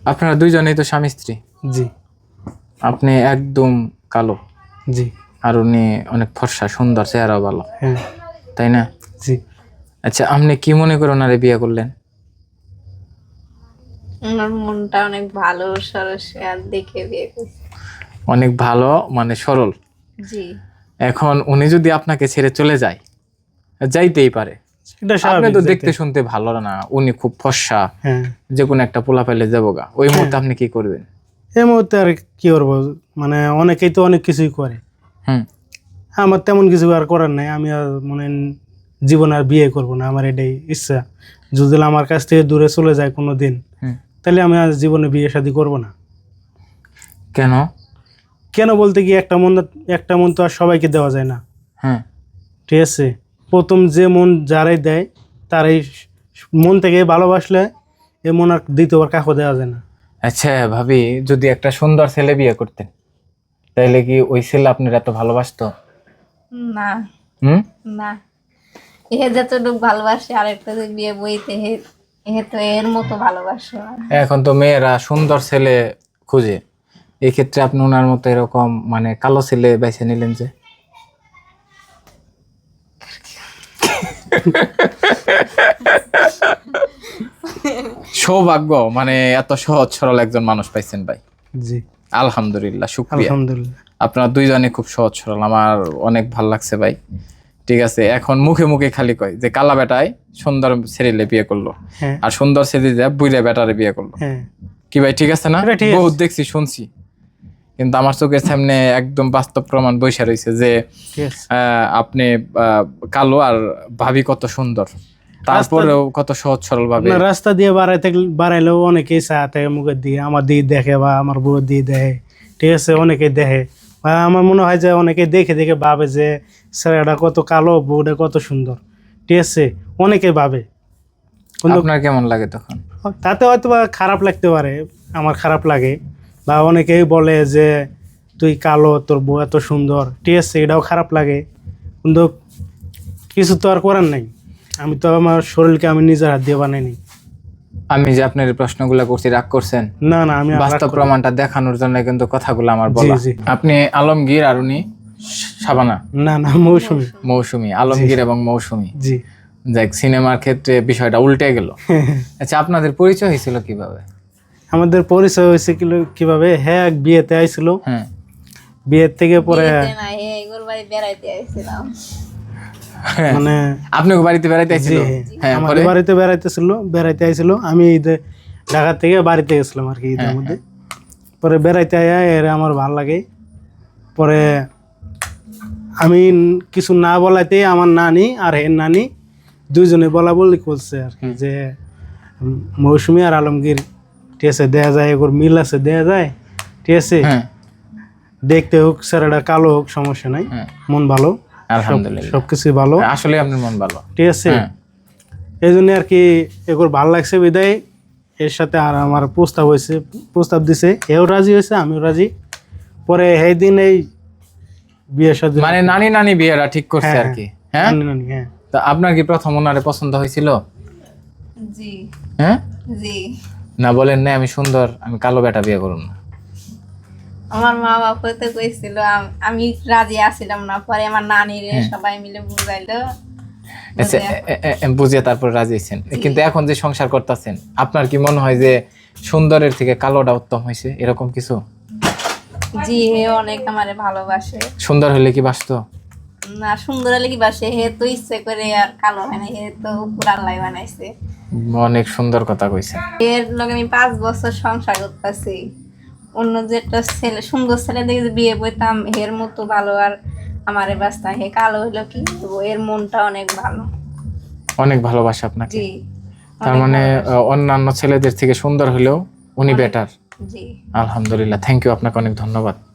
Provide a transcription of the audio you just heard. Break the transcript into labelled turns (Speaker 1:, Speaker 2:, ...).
Speaker 1: আপনারা দুইজনেই তো স্বামী স্ত্রী।
Speaker 2: জি।
Speaker 1: আপনি একদম কালো,
Speaker 2: জি।
Speaker 1: আর উনি অনেক ফর্সা, সুন্দর, চেহারাও ভালো,
Speaker 2: হ্যাঁ।
Speaker 1: তাই না?
Speaker 2: জি।
Speaker 1: আচ্ছা, আপনি কি মনে করে ওনারে বিয়ে করলেন?
Speaker 3: ওনার মনটা অনেক ভালো, সরস, আর দেখে বিয়ে করছি।
Speaker 1: অনেক ভালো মানে সরল।
Speaker 3: জি।
Speaker 1: এখন উনি যদি আপনাকে ছেড়ে চলে যায়, যাইতেই পারে,
Speaker 2: এটা
Speaker 1: আপনি
Speaker 2: স্বাভাবিক।
Speaker 1: তো দেখতে শুনতে ভালো না, উনি খুব ফর্সা,
Speaker 2: হ্যাঁ।
Speaker 1: যে কোনো একটা পোলা পাইলে যাবো গা, ওই মুহূর্তে আপনি কি করবেন?
Speaker 2: এই মুহূর্তে আর কি করবো, মানে অনেকেই তো অনেক কিছুই করে।
Speaker 1: হুম।
Speaker 2: আমার তেমন কিছু আর করার নাই, আমি আর মনে জীবন আর বিয়ে করব না, আমার এটাই ইচ্ছা। যদি আমার কাছ থেকে দূরে চলে যায় কোনো দিন, তাহলে আমি আর জীবনে বিয়ে শাদী করব না।
Speaker 1: কেন?
Speaker 2: কেন বলতে কি, একটা মন তো আর সবাইকে দেওয়া যায় না।
Speaker 1: হ্যাঁ।
Speaker 2: ঠিক আছে, প্রথম যে মন যারাই দেয় তারাই মন থেকে ভালোবাসলে এ মন আর দ্বিতীয়বার কাউকে দেওয়া যায় না।
Speaker 1: আচ্ছা ভাবি, যদি একটা সুন্দর ছেলে বিয়ে করতেন, তাইলে কি ওই ছেলে আপনার এত ভালোবাসতো?
Speaker 3: না। না, এ যতটুকু ভালোবাসে আরেকটা যে বিয়ে বইতে হে তো এর মতো ভালোবাসে না।
Speaker 1: এখন তো মেয়েরা সুন্দর ছেলে খুঁজে, এই ক্ষেত্রে আপনি ওনার মতো এরকম মানে কালো ছেলে বেছে নিলেন যে? সৌভাগ্য, মানে এত সহজ সরল একজন মানুষ পাইছেন ভাই।
Speaker 2: জি,
Speaker 1: আলহামদুলিল্লাহ, শুকরিয়া।
Speaker 2: আলহামদুলিল্লাহ।
Speaker 1: আপনারা দুইজনে খুব সহজ সরল, আমার অনেক ভাল লাগছে ভাই। ঠিক আছে, এখন মুখে মুখে খালি কয় যে কালা বেটায় সুন্দর ছেলে বিয়ে করলো,
Speaker 2: হ্যাঁ।
Speaker 1: আর সুন্দর ছেলে যে বুইরা বেটারে বিয়ে করলো।
Speaker 2: হ্যাঁ।
Speaker 1: কি ভাই ঠিক আছে না?
Speaker 2: এটা ঠিক আছে।
Speaker 1: বহুত দেখছি, শুনছি, কিন্তু আমার চোখের সামনে একদম বাস্তব প্রমাণ বইসা রয়েছে যে
Speaker 2: ঠিক আছে।
Speaker 1: আপনি কালো আর ভাবি কত সুন্দর, তারপরেও কত সহজ সরল ভাবে।
Speaker 2: আপনার রাস্তা দিয়ে বাড়াইলেও অনেকেই চা থাকে মুখের দিকে, আমার দিকে দেখে বা আমার বউয়ের দিকে দেখে। ঠিক আছে, অনেকেই দেখে, বা আমার মনে হয় যে অনেকে দেখে দেখে ভাবে যে ছেলেটা কত কালো, বউটা কত সুন্দর। ঠিক আছে, অনেকে ভাবে, কিন্তু
Speaker 1: আপনার কেমন লাগে তখন?
Speaker 2: তাতে হয়তো বা খারাপ লাগতে পারে, আমার খারাপ লাগে। বা অনেকেই বলে যে তুই কালো, তোর বউ এত সুন্দর। ঠিক আছে, এটাও খারাপ লাগে, কিন্তু কিছু তো আর করার নাই। আমি তো আমার শরীরকে আমি নিজের হাত দিয়ে বানাইনি।
Speaker 1: আমি যে আপনার এই প্রশ্নগুলো করছি, রাগ করছেন?
Speaker 2: না না, আমি
Speaker 1: বাস্তব প্রমাণটা দেখানোর জন্য কিন্তু কথাগুলো আমার বলা।
Speaker 2: জি।
Speaker 1: আপনি আলমগীর আর উনি শাবানা?
Speaker 2: না না, মৌসুমী।
Speaker 1: মৌসুমী, আলমগীর এবং মৌসুমী।
Speaker 2: জি।
Speaker 1: যাক, সিনেমার ক্ষেত্রে বিষয়টা উল্টে গেল। আচ্ছা, আপনাদের পরিচয় হয়েছিল কিভাবে?
Speaker 2: আমাদের পরিচয় হয়েছে কিভাবে, হ্যাঁ, এক বিয়েতে আইছিল।
Speaker 1: হ্যাঁ।
Speaker 2: বিয়ের থেকে পরে
Speaker 3: বিয়েতে না, এগুলোর বাড়ি বেড়াইতে আইছিলাম।
Speaker 2: মানে
Speaker 1: আপনি বাড়িতে বেড়াইতে আইছিল? হ্যাঁ,
Speaker 2: আমাদের বাড়িতে বেড়াইতে আইছিল। আমি ঈদে ঢাকা থেকে বাড়িতে গেছিলাম আর কি, ঈদের মধ্যে। পরে বেড়াইতে আয়া এর আমার ভালো লাগে। পরে আমি কিছু না বলাইতে আমার নানি আর এর নানি দুইজনে বলা বলি করছে আর কি, যে মৌসুমী আর আলমগীর, ঠিক আছে, দেখা যায় এগুলো মিল আছে, দেখা যায়। ঠিক আছে, দেখতে হোক ছেলেটা কালো হোক, সমস্যা নাই, মন ভালো,
Speaker 1: আলহামদুলিল্লাহ,
Speaker 2: সবকিছু ভালো।
Speaker 1: আসলে আপনার মন ভালো।
Speaker 2: ঠিক আছে, এই জন্য আর কি এগুলো ভালো লাগছে বিদায় এর সাথে আর আমার প্রস্তাব দিছে, এও রাজি হয়েছে, আমিও রাজি। পরে সেই দিন এই বিয়ের সাথে
Speaker 1: মানে নানি বিয়েরা ঠিক করছে আর কি। হ্যাঁ,
Speaker 2: নানি। হ্যাঁ।
Speaker 1: তা আপনার কি প্রথম ওনারে পছন্দ হয়েছিল?
Speaker 3: জি।
Speaker 1: হ্যাঁ।
Speaker 3: জি।
Speaker 1: না বলেন না আমি সুন্দর, আমি কালো বেটা বিয়ে করুন না?
Speaker 3: আমার মা বাবা তো কইছিল, আমি রাজি আছিলাম না। পরে আমার নানিরে সবাই মিলে বুঝাইলো,
Speaker 1: বুঝিয়ে তারপর রাজি হয়েছেন। কিন্তু এখন যে সংসার করতেছেন, আপনার কি মনে হয় যে সুন্দরের থেকে কালোটা উত্তম হয়েছে, এরকম কিছু?
Speaker 3: জি, হে অনেক আমারে ভালোবাসে।
Speaker 1: সুন্দর হলে কি বাসতো
Speaker 3: না, সুন্দর হলে কি বাসে, হে তো ইচ্ছে করে আর কালো হয় না, হে তো উপর আল্লাহ বানাইছে।
Speaker 1: অনেক সুন্দর কথা কইছেন।
Speaker 3: এর লগে আমি 5 বছর সংসার করতেছি। অন্য যে একটা ছেলে, সুন্দর ছেলে দেখে বিয়ে বইতাম, এর মতো ভালো আর আমারে বাস্তা, হে কালো হইলো কি, এর মনটা অনেক ভালো,
Speaker 1: অনেক ভালোবাসে আপনাকে।
Speaker 3: জি।
Speaker 1: তার মানে অন্যান্য ছেলেদের থেকে সুন্দর হলেও উনি বেটার।
Speaker 3: জি।
Speaker 1: আলহামদুলিল্লাহ, থ্যাংক ইউ, আপনাকে অনেক ধন্যবাদ।